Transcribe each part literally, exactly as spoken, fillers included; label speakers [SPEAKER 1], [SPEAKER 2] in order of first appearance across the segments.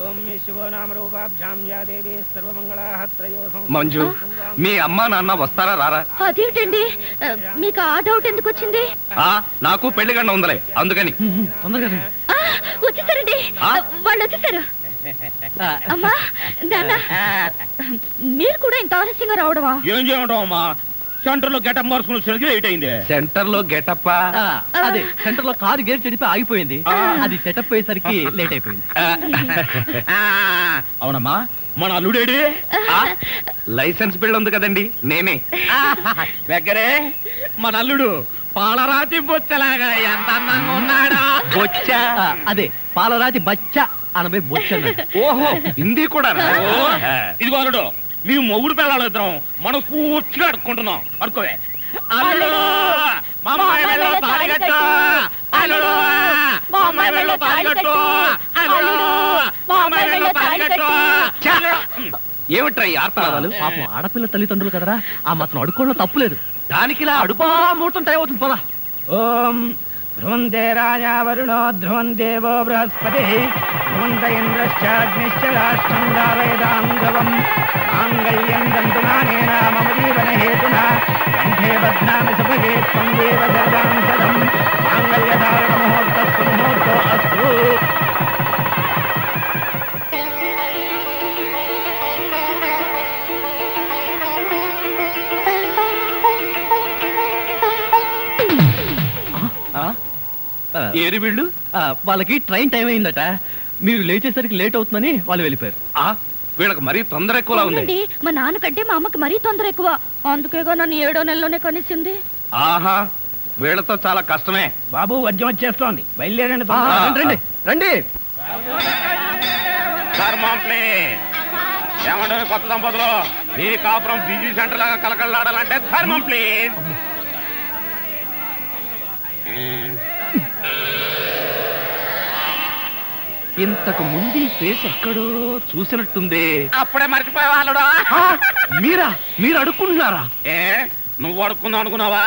[SPEAKER 1] మంజు, మీ అమ్మా నాన్న వస్తారా రారా?
[SPEAKER 2] అదేమిటండి, మీకు ఆ డౌట్ ఎందుకు వచ్చింది?
[SPEAKER 1] నాకు పెళ్లి గండ ఉందలే, అందుకని.
[SPEAKER 2] వచ్చేసారండి, వాళ్ళు వచ్చేసారు. అమ్మా నాన్న, మీరు కూడా ఇంత ఆలస్యంగా రావడమా?
[SPEAKER 3] ఏం చేయడం అమ్మా, సెంటర్ లో గెటప్ మార్చుకుని లేట్ అయింది.
[SPEAKER 1] సెంటర్ లో గెటప్?
[SPEAKER 4] అదే, సెంటర్ లో కారు గేర్ చెడిపి ఆగిపోయింది, అది సెటప్ అయ్యేసరికి లేట్ అయిపోయింది.
[SPEAKER 3] అవునమ్మా, మన అల్లుడేడి?
[SPEAKER 1] లైసెన్స్ బిల్ ఉంది కదండి, నేనే.
[SPEAKER 3] దగ్గరే మన అల్లుడు పాలరాతి బొచ్చలాగా ఎంత అందంగా ఉన్నాడా.
[SPEAKER 1] బొచ్చ?
[SPEAKER 4] అదే, పాలరాతి బచ్చ అనబై బొచ్చ.
[SPEAKER 1] ఓహో, హిందీ కూడా.
[SPEAKER 3] ఇదిగో అల్లుడు, మీ మొగుడు పిల్లలు ఇద్దరం మనం పూర్తిగా అడుక్కుంటున్నాం. అడుకోవే. అల్లుడు, మా అమ్మాయి వెళ్ళో తాళిగట్టు. అల్లుడు, మా అమ్మాయి వెళ్ళో తాళిగట్టు. అల్లుడు, మా అమ్మాయి వెళ్ళో తాళిగట్టు.
[SPEAKER 1] ఏమిట్రా ఈ ఆర్తనాదాలు?
[SPEAKER 4] పాపం ఆడపిల్ల తల్లిదండ్రులు కదరా, ఆ మాత్రం అడుక్కోవడం తప్పులేదు.
[SPEAKER 1] దానికి ఇలా అడుపా
[SPEAKER 4] ముహూర్తం టైం అవుతుంది, పదా.
[SPEAKER 3] ఓం ధ్రువంతే రాజా వరుణో ధ్రువం దేవో బృహస్పతి ధ్రువంత ఇంద్రశ్చాగ్నిశ్చ రాష్ట్రం దారయదాం ధ్రువం మాంగళ్యం దంతునానేన మమ జీవన హేతునా కంఠే బధ్నామి సుభగే త్వం దేవ సర్వాం సదం మాంగళ్యధారణ ముహూర్తస్సు ముహూర్తో అస్తు.
[SPEAKER 1] ఏరి వీళ్ళు?
[SPEAKER 4] వాళ్ళకి ట్రైన్ టైం అయిందట, మీరు లేచేసరికి లేట్ అవుతుందని వాళ్ళు వెళ్ళిపోయారు.
[SPEAKER 1] వీళ్ళకి మరీ తొందర ఎక్కువలా ఉంది.
[SPEAKER 2] మా నాన్నకంటే మా అమ్మకి మరీ తొందర ఎక్కువ, అందుకేగా నన్ను ఏడో నెలలోనే కనిసింది.
[SPEAKER 1] ఆహా, వీళ్ళతో చాలా కష్టమే.
[SPEAKER 3] బాబు, వద్యం వచ్చేస్తోంది, బయలుదేరండి.
[SPEAKER 4] రండి రండి.
[SPEAKER 3] ఏమంటే కొత్త దంపతులు, మీ కాపురం బిజీ సెంటర్ లాగా కలకలాడాలంటే ధర్మం ప్లీజ్.
[SPEAKER 1] ఇంతకు ముందు ఈ ఫేస్ ఎక్కడో చూసినట్టుంది.
[SPEAKER 3] అప్పుడే మర్చిపోయే వాళ్ళుడా?
[SPEAKER 1] మీరా? మీరు అడుక్కుంటున్నారా?
[SPEAKER 3] ఏ, నువ్వు అడుక్కుందాం అనుకున్నావా?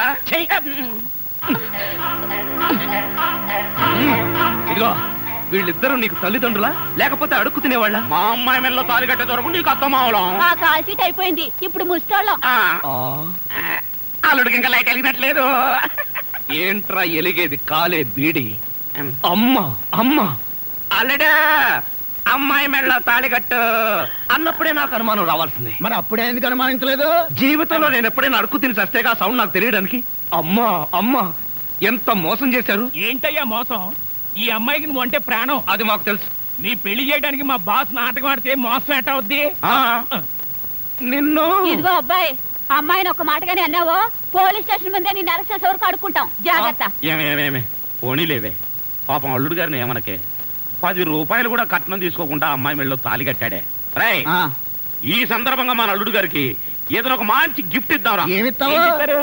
[SPEAKER 1] ఇదిగో, వీళ్ళిద్దరూ నీకు తల్లిదండ్రులా లేకపోతే అడుక్కు తినేవాళ్ళ?
[SPEAKER 3] మా అమ్మాయి మెల్లో తాలి కట్టే దొరకు నీకు అత్తమావలం.
[SPEAKER 2] ఆ కాల్ సీట్ అయిపోయింది, ఇప్పుడు ముస్టాళ్ళం.
[SPEAKER 3] అల్లుడికి ఇంకా లైట్ వెలిగినట్లేదు.
[SPEAKER 1] ఏంట్రా ఎలిగేది? కాలే బీడి. అమ్మ అమ్మ,
[SPEAKER 3] అల్లుడు అమ్మాయి మెళ్ళో తాళి కట్టు
[SPEAKER 1] అన్నప్పుడే నాకు అనుమానం రావాల్సింది.
[SPEAKER 3] మరి అప్పుడే ఎందుకు అనుమానించలేదు?
[SPEAKER 1] జీవితంలో నేను ఎప్పుడైనా అడుక్కు తిని చస్తేగా సౌండ్ నాకు తెలియడానికి. అమ్మా అమ్మా, ఎంత మోసం చేశారు.
[SPEAKER 3] ఏంటయ్యా మోసం? ఈ అమ్మాయికి నువ్వు అంటే ప్రాణం.
[SPEAKER 1] అది మాకు తెలుసు.
[SPEAKER 3] నీ పెళ్లి చేయడానికి మా బాస్ నాటకం ఆడితే మోసం ఎట్ట అవుద్ది?
[SPEAKER 1] నిన్ను
[SPEAKER 2] ఇదిగో అబ్బాయి, అమ్మాయిని ఒక మాటగానే అన్నావో పోలీస్ స్టేషన్ ముందే నేను అరెస్ట్ చేసే వరకు అడుక్కుంటాం, జాగ్రత్త.
[SPEAKER 3] ఏమేమేమే పోనీలేవే, పాపం అల్లుడు గారిని ఏమనకే. పది రూపాయలు కూడా కట్నం తీసుకోకుండా అమ్మాయి మెళ్ళలో తాళి కట్టాడే. రై, ఈ సందర్భంగా మన అల్లుడు గారికి ఏదైనా ఒక మంచి గిఫ్ట్ ఇద్దాం. ఏమిస్తావు?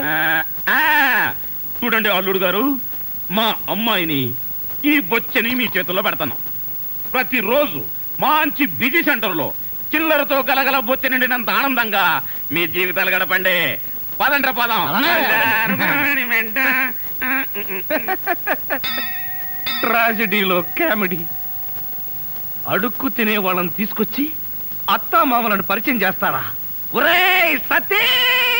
[SPEAKER 3] చూడండి అల్లుడు గారు, మా అమ్మాయిని ఈ బొచ్చని మీ చేతుల్లో పెడతాను. ప్రతిరోజు మంచి బిజీ సెంటర్ లో చిల్లరతో గలగల బొచ్చ నిండినంత ఆనందంగా మీ జీవితాలు గడపండి. పదండ్ర పదం.
[SPEAKER 1] ట్రాజడీలో కామెడీ. అడుక్కు తినే వాళ్ళని తీసుకొచ్చి అత్తా మామలను పరిచయం చేస్తారా? ఒరేయ్ సతీ!